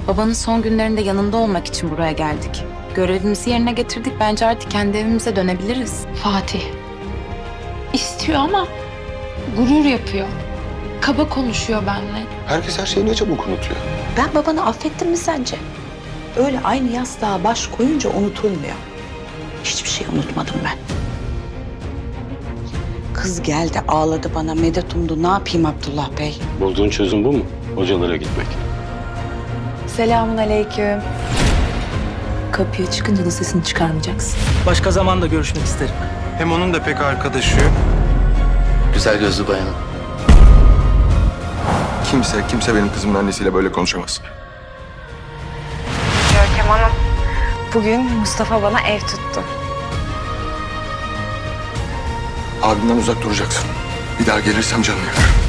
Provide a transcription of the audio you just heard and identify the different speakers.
Speaker 1: Babanın son günlerinde yanında olmak için buraya geldik. Görevimizi yerine getirdik. Bence artık kendi evimize dönebiliriz.
Speaker 2: Fatih istiyor ama gurur yapıyor. Kaba konuşuyor benimle.
Speaker 3: Herkes her şeyi ne çabuk unutuyor.
Speaker 4: Ben babanı affettim mi sence? Öyle aynı yastığa baş koyunca unutulmuyor. Hiçbir şey unutmadım ben. Kız geldi ağladı bana, medet umdu. Ne yapayım Abdullah Bey?
Speaker 3: Bulduğun çözüm bu mu? Hocalara gitmek.
Speaker 4: Selamun aleyküm. Kapıya çıkınca da sesini çıkarmayacaksın.
Speaker 5: Başka zamanda görüşmek isterim.
Speaker 6: Hem onun da pek arkadaşı yok.
Speaker 7: Güzel gözlü bayanım.
Speaker 6: Kimse benim kızımın annesiyle böyle konuşamaz.
Speaker 8: Görkem Hanım, bugün Mustafa bana ev tuttu.
Speaker 6: Abimden uzak duracaksın. Bir daha gelirsem canını yakarım.